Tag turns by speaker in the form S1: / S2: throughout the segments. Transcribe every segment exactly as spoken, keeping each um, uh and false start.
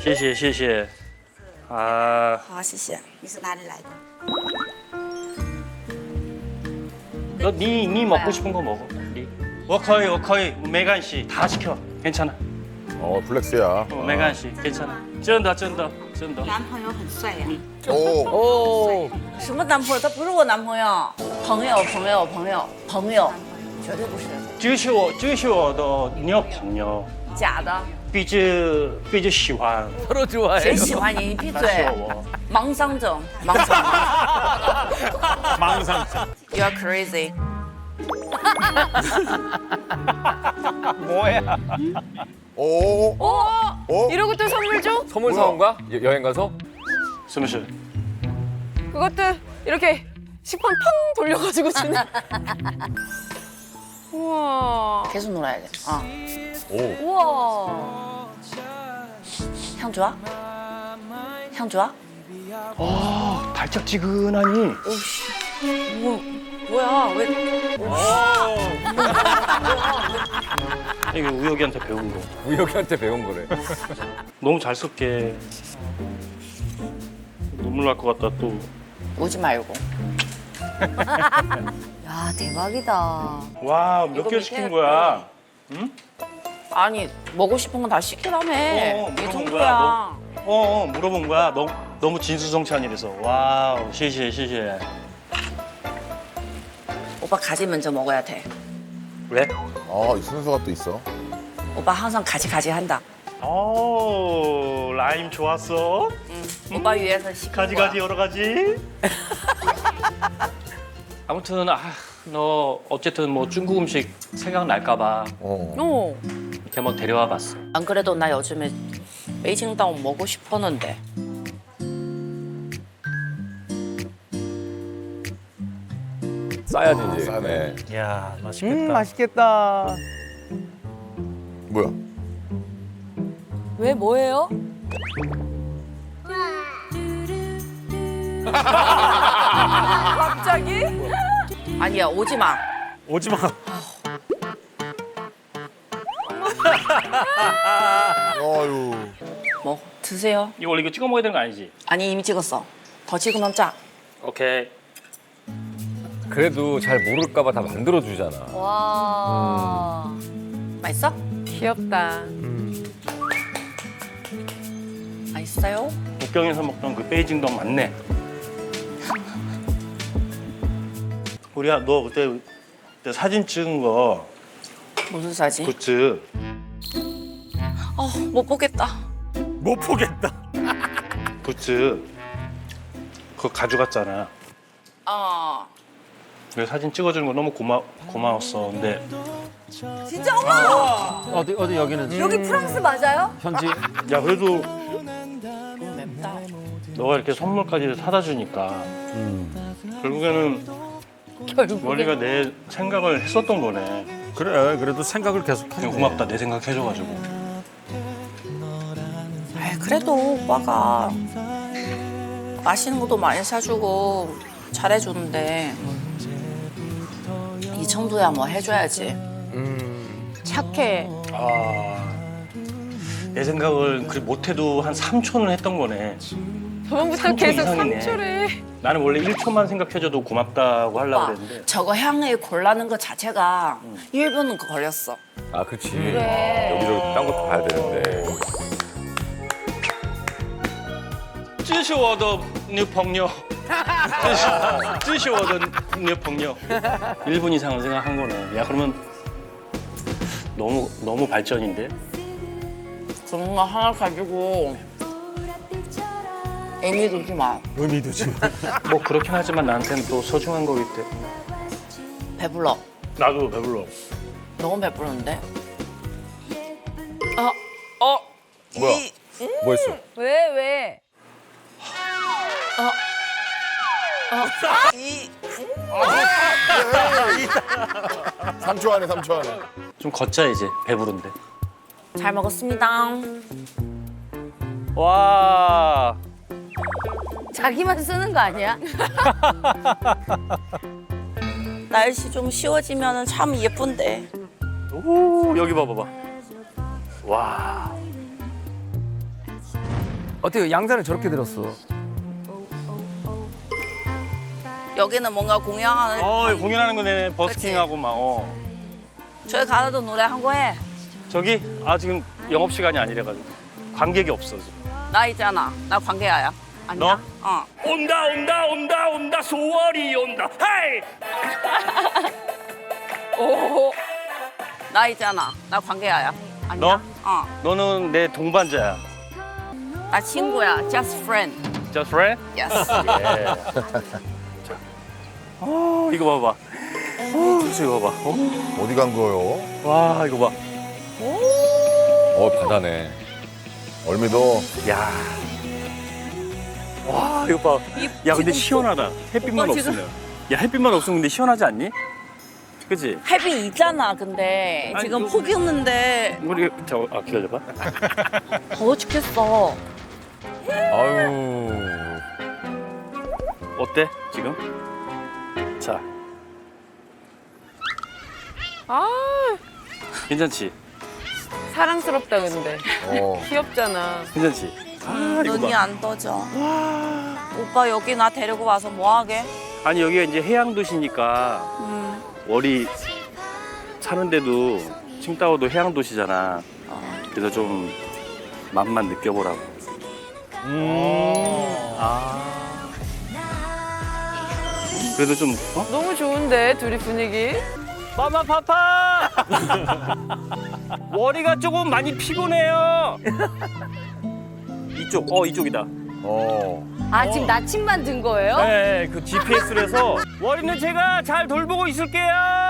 S1: 谢谢谢谢。啊，
S2: 好，谢谢。你是哪里来的？
S1: 너 니 니 먹고 싶은 거 먹어. 니. 워커이 워커이 메간 씨다 시켜. 괜찮아.
S3: 어 블랙스야.
S1: 어, 메간 씨 괜찮아. 쩐다 쩐다 쩐다.
S2: 男朋友很帅呀。
S3: 오.
S4: 오.
S2: 什么男朋友？他不是我男朋友。朋友，朋友，朋友，朋友，绝对不是。
S1: 这是我这是我的女朋友，
S2: 假的。
S1: 比较比较喜欢。
S4: 서로 좋아해.
S2: 谁喜欢你？你闭
S1: 他喜
S2: 嘴
S1: 欢！我。
S2: 盲商者，盲商。
S1: 망상.
S2: You are crazy。
S4: 뭐야?
S3: 오.
S5: 어?
S3: 어?
S5: 이러고 또 선물 줘?
S4: 선물 사온 거야? 여- 여행 가서?
S1: 什么事？
S5: 그것도 이렇게 식판 펑 돌려가지고 주네. 우와.
S2: 계속 놀아야 돼. 어.
S3: 오.
S5: 우와.
S2: 향 좋아? 향 좋아?
S1: 아 달짝지근하니.
S2: 뭐 뭐야? 왜?
S1: 이거 우혁이한테 배운 거.
S4: 우혁이한테 배운 거래.
S1: 너무 잘 섞게. 눈물 날 것 같다 또.
S2: 오지 말고.
S5: 야 대박이다.
S1: 와 몇
S2: 이거
S1: 개
S2: 밑에
S1: 시킨 거야? 응?
S2: 아니 먹고 싶은 건 다 시키라며.
S1: 어,
S2: 이
S1: 물어본
S2: 정도야.
S1: 거야, 어, 어 물어본 거야. 너무 너무 진수성찬이라서. 와우, 시시해, 시시해.
S2: 오빠 가지 먼저 먹어야 돼.
S1: 왜?
S3: 아이 순서가 또 있어.
S2: 오빠 항상 가지 가지 한다.
S1: 오, 라임 좋았어.
S2: 오빠 위해서 시킨
S1: 가지
S2: 거야.
S1: 가지 여러 가지. 아무튼 아, 너 어쨌든 뭐 중국 음식 생각 날까 봐
S3: 어.
S5: 오.
S1: 이렇게 한번 데려와 봤어.
S2: 안 그래도 나 요즘에 베이징다운 먹고 싶었는데.
S4: 싸야지
S3: 아,
S4: 이제.
S3: 싸네.
S4: 네.
S1: 야, 맛있겠다.
S4: 음 맛있겠다.
S3: 뭐야?
S5: 왜 뭐예요? 갑자기?
S2: 아니야 오지 마.
S1: 오지 마.
S3: 아유.
S2: 뭐 드세요.
S1: 이거 원래 이거 찍어 먹어야 되는 거 아니지?
S2: 아니 이미 찍었어. 더 찍으면 짜.
S1: 오케이.
S4: 그래도 잘 모를까봐 다 만들어 주잖아.
S5: 와.
S2: 맛있어?
S5: 귀엽다.
S2: 맛있어요?
S1: 북경에서 먹던 그 베이징동 맞네. 우리야, 너 그때, 그때 사진 찍은 거
S2: 무슨 사진?
S1: 굿즈
S2: 어, 못 보겠다.
S1: 못 보겠다. 굿즈 그거 가져갔잖아.
S2: 어.
S1: 그래서 사진 찍어주는 거 너무 고마 고마웠어. 근데
S5: 진짜 어머!
S6: 어디 어디 여기는
S5: 여기 프랑스 맞아요?
S6: 현지
S1: 야 그래도
S2: 너무 맵다.
S1: 너가 이렇게 선물까지 사다 주니까 결국에는
S5: 결국.
S1: 원리가 내 생각을 했었던 거네.
S6: 그래 그래도 생각을 계속
S1: 그냥
S6: 하네.
S1: 고맙다 내 생각 해줘가지고.
S2: 에이, 그래도 오빠가 맛있는 것도 많이 사주고 잘해주는데 이 정도야 뭐 해줘야지.
S5: 착해.
S1: 아, 내 생각을 그 못해도 한 삼 초는 했던 거네.
S5: 저번부터
S1: 삼 초
S5: 계속
S1: 이상이네.
S5: 삼 초래.
S1: 나는 원래 일 초만 생각해줘도 고맙다고 하려고
S2: 오빠,
S1: 그랬는데
S2: 저거 향을 골라는 것 자체가 일 분 걸렸어.
S4: 아 그렇지.
S5: 그래.
S4: 여기저기 딴 것도 봐야 되는데.
S1: 这是我的女朋友这是这是我的女朋友일 분 이상을 생각한 거네. 야 그러면 너무 너무 발전인데?
S2: 그런 거 하나 가지고 의미 두지 마.
S6: 의미도 지금.
S1: 뭐 그렇긴 하지만 나한테는 또 소중한 거기 때문에.
S2: 배불러.
S1: 나도 배불러.
S2: 너무 배부른데?
S3: 뭐야?
S4: 뭐 했어?
S5: 왜 왜?
S2: 이
S3: 삼 초 안에 삼 초 안에.
S1: 좀 걷자 이제 배부른데.
S2: 잘 먹었습니다.
S1: 와.
S5: 자기만 쓰는 거 아니야?
S2: 날씨 좀 쉬워지면 참 예쁜데.
S1: 오 여기 봐봐봐. 와.
S7: 어떻게 양산을 저렇게 들었어?
S2: 여기는 뭔가 공연하는.
S1: 어 공연하는 거네. 버스킹하고 막. 어.
S2: 저기 가서도 노래 한 거 해.
S1: 저기 아 지금 영업 시간이 아니래가지고 관객이 없어 지금.
S2: 나 있잖아. 나 관계야야. 아니야? 어.
S1: 온다 온다 온다 온다 소월이 온다. 헤이.
S2: 오. 나 있잖아. 나 관계야야. 아니야? 어.
S1: 너는 내 동반자야.
S2: 나 친구야. Just friend.
S1: Just friend?
S2: Yes.
S1: 예. 자. 어 이거 봐봐. 어 이거 봐봐. 어?
S3: 어디 간 거요?
S1: 와 이거 봐.
S4: 어 바다네.
S3: 얼미도
S1: 야. 와 이거 봐. 야 근데 시원하다. 햇빛만
S2: 오빠 지금-
S1: 없으면. 야 햇빛만 없으면 근데 시원하지 않니? 그치?
S2: 햇빛 있잖아. 근데
S1: 아니,
S2: 지금
S1: 그-
S2: 폭이 없는데
S1: 우리 저아 기다려봐.
S2: 더워 죽겠어.
S4: 아유.
S1: 어때 지금? 자.
S5: 아
S1: 괜찮지?
S5: 사랑스럽다 근데.
S3: 어.
S5: 귀엽잖아.
S1: 괜찮지? 아 이거
S2: 눈이
S1: 봐.
S2: 안 떠져. 오빠 여기 나 데리고 와서 뭐 하게?
S1: 아니 여기가 이제 해양 도시니까
S2: 음.
S1: 월이 사는데도 칭다오도 해양 도시잖아. 그래서 좀 맛만 느껴보라고.
S4: 음.
S1: 아. 그래도 좀 어?
S5: 너무 좋은데 둘이 분위기.
S1: 마마 파파. 월이가 조금 많이 피곤해요. 이쪽, 어 이쪽이다.
S3: 어.
S5: 아 지금 나침반 든 거예요?
S1: 네, 그 지피에스로 해서 월이는 제가 잘 돌보고 있을게요.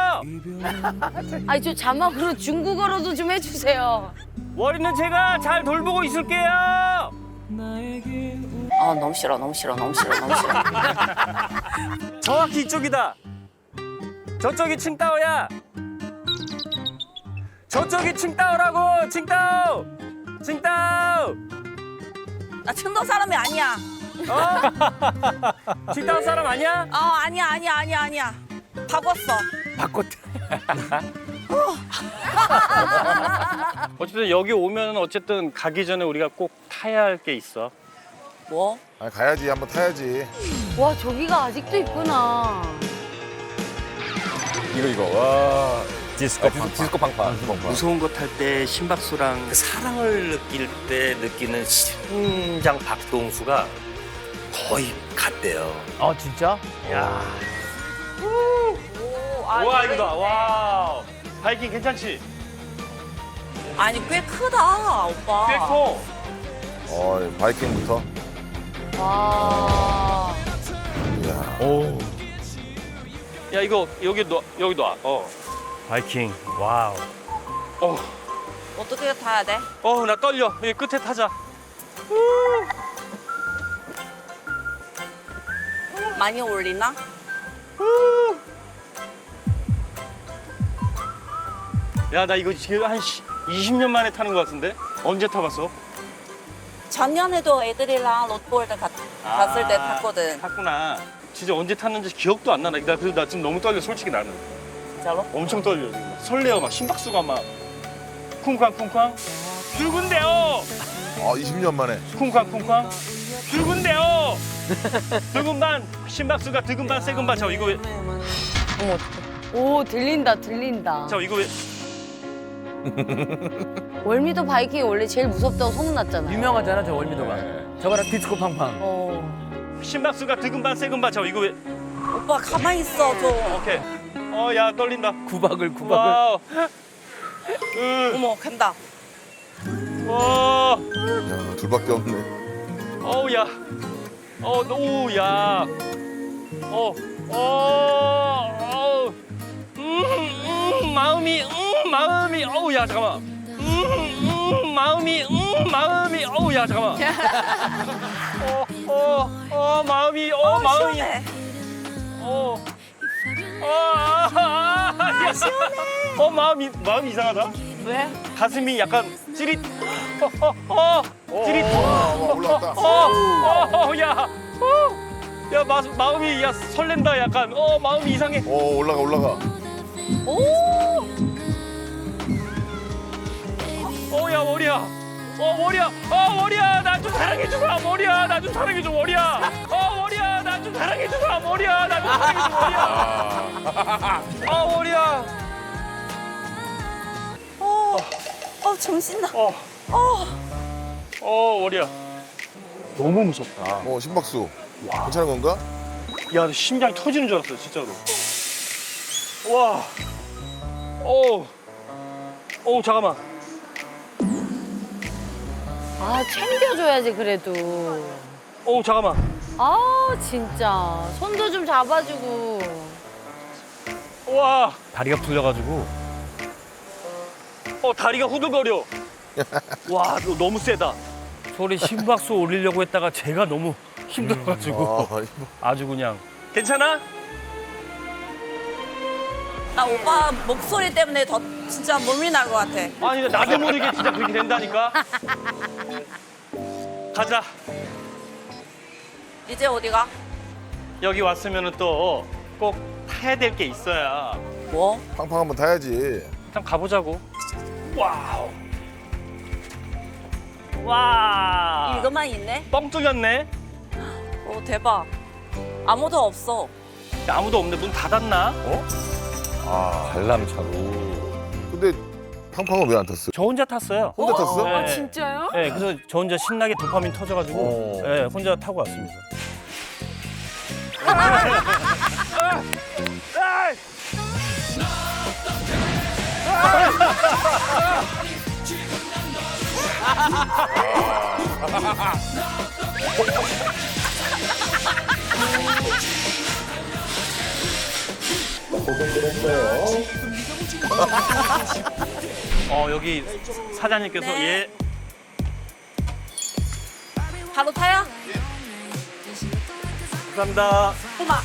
S5: 아니 저 자막으로 중국어로도 좀 해주세요.
S1: 월이는 제가 잘 돌보고 있을게요.
S2: 아 너무 싫어. 너무 싫어. 너무 싫어. 너무 싫어.
S1: 정확히 이쪽이다. 저쪽이 칭따오야. 저쪽이 칭따오라고. 칭따오. 칭따오.
S2: 나 칭동 사람이 아니야.
S1: 어? 칭따오 사람 아니야?
S2: 어 아니야 아니야 아니야 아니야. 바꿨어.
S7: 바꿨.
S1: 어쨌든 여기 오면 어쨌든 가기 전에 우리가 꼭 타야 할 게 있어.
S2: 뭐?
S3: 아니, 가야지. 한번 타야지.
S5: 와 저기가 아직도 있구나.
S4: 이거 이거 와. 디스코 팡팡. 디스코 팡팡.
S1: 무서운 거 탈 때 심박수랑 그 사랑을 느낄 때 느끼는 심장 박동수가 거의 같대요.
S7: 아 진짜?
S1: 야.
S2: 오, 아,
S1: 와 이거다. 와. 바이킹 괜찮지?
S2: 아니 꽤 크다 오빠.
S1: 꽤 커.
S3: 어, 바이킹부터.
S5: 와.
S3: 이야.
S4: 오.
S1: 야 이거 여기 놔 여기 놔. 어. 바이킹. 와우. 어.
S2: 어떻게 타야 돼?
S1: 어 나 떨려. 여기 끝에 타자.
S2: 많이 올리나?
S1: 야 나 이거 지금 한 이십 년 만에 타는 것 같은데? 언제 타봤어?
S2: 작년에도 애들이랑 롯볼드 갔, 갔을 때 탔거든.
S1: 탔구나. 진짜 언제 탔는지 기억도 안 나나. 나 그래도 나 지금 너무 떨려. 솔직히 나는.
S2: 진짜로?
S1: 엄청 떨려 지금. 설레어 막 심박수가 막 쿵쾅쿵쾅. 출근돼요.
S3: 아, 이십 년 만에.
S1: 쿵쾅쿵쾅. 출근돼요. 두근반 심박수가 두근반 세근반. 저 이거 왜?
S5: 어머 어떡해. 오 들린다 들린다.
S1: 저 이거 왜?
S5: 월미도 바이킹이 원래 제일 무섭다고 소문났잖아요.
S7: 유명하잖아 저 월미도가.
S4: 네.
S7: 저거랑 디스코 팡팡.
S5: 어.
S1: 심박수가 두근반 세근반. 저 이거 왜?
S2: 오빠 가만히 있어 좀.
S1: 오케이. 어 야 떨린다.
S7: 구박을 구박을.
S1: 와우. 으,
S2: 어머 간다.
S1: 와.
S3: 야, 둘밖에 없네.
S1: 어우 야. 어, 오 야. 어. 어. 어. 음, 음, 마음이 음, 마음이 어우 야 잠깐만. 음, 음, 마음이 음, 마음이 어우 야 잠깐만. 어, 어, 어, 마음이 어, 마음이
S2: 시원해.
S1: 어. 어, 아, 아, 아, 야. 어, 마음이 마음이 이상하다.
S2: 왜?
S1: 가슴이 약간 찌릿. 어, 어, 어. 찌릿.
S3: 어, 올라왔다.
S1: 어, 어, 어, 야. 어. 야, 마, 마음이 야 설렌다 약간. 어, 마음이 이상해.
S3: 어, 올라가, 올라가.
S2: 오.
S1: 어, 야, 머리야. 어 머리야. 어 머리야. 나 좀 사랑해줘 봐. 머리야. 나 좀 사랑해줘 머리야. 어 머리야. 나 좀 사랑해줘 봐. 머리야. 나 좀 사랑해줘 머리야. 어 머리야.
S2: 어, 어 정신나.
S1: 어. 어 머리야. 너무 무섭다.
S3: 어 심박수. 괜찮은 건가?
S1: 야, 심장이 터지는 줄 알았어, 진짜로. 와. 어. 어, 잠깐만.
S5: 아 챙겨줘야지 그래도.
S1: 어, 잠깐만.
S5: 아 진짜 손도 좀 잡아주고.
S1: 와.
S6: 다리가 풀려가지고
S1: 어, 다리가 후들거려. 와, 너 너무 세다.
S6: 소리 심박수 올리려고 했다가 제가 너무 힘들어가지고
S3: 아, 이거
S6: 아주 그냥
S1: 괜찮아?
S2: 나 오빠 목소리 때문에 더 진짜 몸이 날 것 같아.
S1: 아니, 근데 나도 모르게 진짜 그렇게 된다니까. 가자.
S2: 이제 어디가?
S1: 여기 왔으면 또 꼭 타야 될 게 있어야.
S2: 뭐?
S3: 팡팡 한번 타야지.
S1: 일단 가보자고. 와우. 와.
S2: 이것만 있네?
S1: 뻥 뚫렸네.
S2: 오 대박. 아무도 없어.
S1: 야, 아무도 없네. 문 닫았나?
S3: 아
S4: 관람차로.
S3: 근데 팡팡은 왜 안 탔어?
S1: 저 혼자 탔어요.
S3: 혼자 탔어?
S1: 네.
S5: 아 진짜요?
S1: 네, 그래서 저 혼자 신나게 도파민 터져가지고
S3: 어.
S1: 네, 혼자 타고 왔습니다. 어, 여기 사장님께서
S2: 네.
S1: 예.
S2: 바로 타요?
S1: 감사합니다.
S2: 엄마.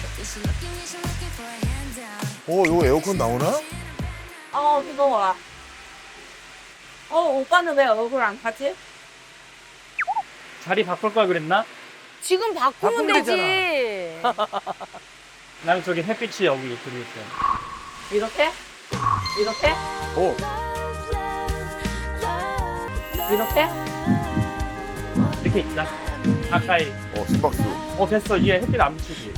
S3: 어 이거 에어컨 나오나?
S2: 어 무서워. 어 오빠는 왜 얼굴 안 타지?
S1: 자리 바꿀 걸 그랬나?
S5: 지금 바꾸면
S7: 바꾸면
S5: 되지.
S1: 나는 저기 햇빛이 여기 들어있어요.
S2: 이렇게? 이렇게?
S3: 어
S2: 이렇게?
S1: 이렇게 있다. 가까이.
S3: 어, 심박수.
S1: 어, 됐어. 얘 햇빛 안 비치지.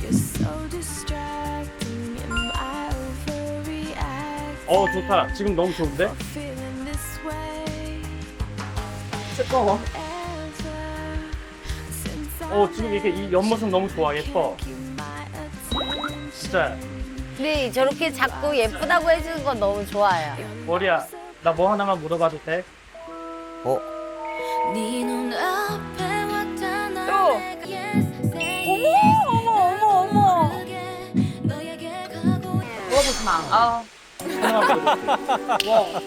S1: 어, 좋다. 지금 너무 좋은데?
S2: 뜨거워.
S1: 어, 지금 이게 이 옆모습 너무 좋아. 예뻐. 진짜.
S5: 근데 저렇게 자꾸 예쁘다고 해주는 건 너무 좋아요.
S1: 머리야, 나 뭐 하나만 물어봐도 돼?
S3: 어
S2: 또. 어머 어머 어머 어머. 물어보지 마. 아.
S1: 하나만 물어볼게. 뭐?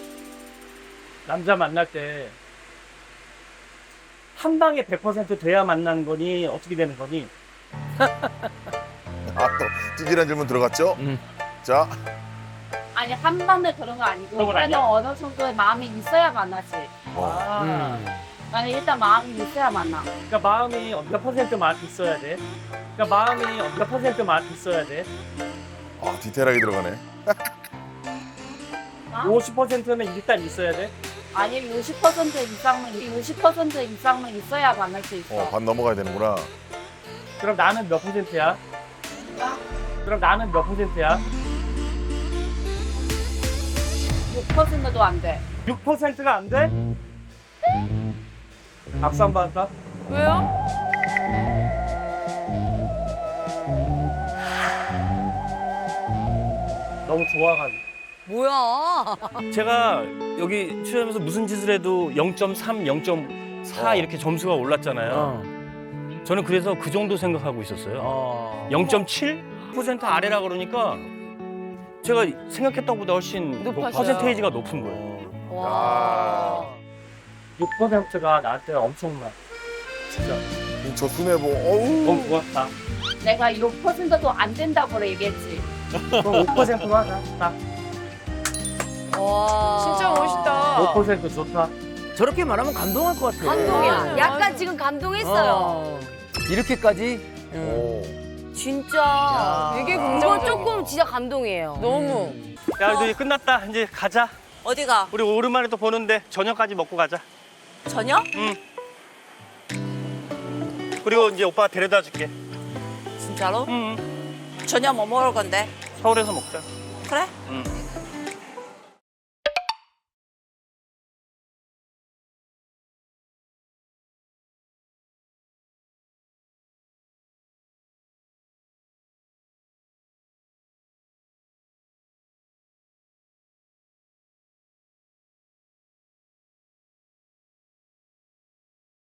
S1: 남자 만날 때 한 방에 백 퍼센트 돼야 만나는 거니 어떻게 되는 거니?
S3: 아또 찌질한 질문 들어갔죠?
S7: 음.
S3: 자
S2: 아니 한 번에 그런 거 아니고
S1: 그런 건
S2: 그래도
S1: 아니야?
S2: 어느 정도의 마음이 있어야 만나지.
S3: 어.
S1: 아,
S7: 음.
S2: 아니 일단 마음이 있어야 만나.
S1: 그러니까 마음이 몇 퍼센트만 있어야 돼. 그러니까 마음이 몇 퍼센트만 있어야 돼.
S3: 아, 디테일하게 들어가네.
S1: 오십 퍼센트는 일단 있어야 돼.
S2: 아니 육십 퍼센트 이상은 육십 퍼센트 이상은 있어야 만날 수 있어.
S3: 어, 반 넘어가야 되는구나.
S1: 그럼 나는 몇 퍼센트야? 그럼 나는 몇 퍼센트야?
S2: 육 퍼센트도 안 돼.
S1: 육 퍼센트가 안 돼? 박수 한 번 할까?
S5: 왜요?
S1: 너무 좋아가지고.
S5: 뭐야?
S6: 제가 여기 출연하면서 무슨 짓을 해도 영 점 삼, 영 점 사
S3: 어.
S6: 이렇게 점수가 올랐잖아요.
S7: 어.
S6: 저는 그래서 그 정도 생각하고 있었어요.
S7: 어.
S6: 영 점 칠 퍼센트 아래라 그러니까 제가 생각했던 것보다 훨씬
S5: 높았어요.
S6: 퍼센테이지가 높은 거예요.
S5: 와.
S1: 육 퍼센트가 나한테 엄청나. 진짜
S3: 저 순애보 어우.
S1: 너무 좋았다.
S2: 내가 육 퍼센트도 안 된다고 얘기했지.
S1: 그럼 오 퍼센트로 하자. 딱
S5: 와.
S8: 진짜 멋있다.
S1: 오 퍼센트 좋다.
S7: 저렇게 말하면 감동할 것 같아.
S5: 감동이야.
S8: 네.
S5: 약간
S8: 맞아.
S5: 지금 감동했어요.
S7: 어. 이렇게까지?
S3: 오.
S5: 진짜.
S7: 야.
S8: 되게
S5: 이건
S8: 긍정적이야.
S5: 조금 진짜 감동이에요.
S8: 너무.
S1: 야, 이제 끝났다. 이제 가자.
S2: 어디가?
S1: 우리 오랜만에 또 보는데 저녁까지 먹고 가자.
S2: 저녁?
S1: 응. 그리고 이제 오빠 데려다 줄게.
S2: 진짜로?
S1: 응.
S2: 저녁 뭐 먹을 건데?
S1: 서울에서 먹자.
S2: 그래?
S1: 응.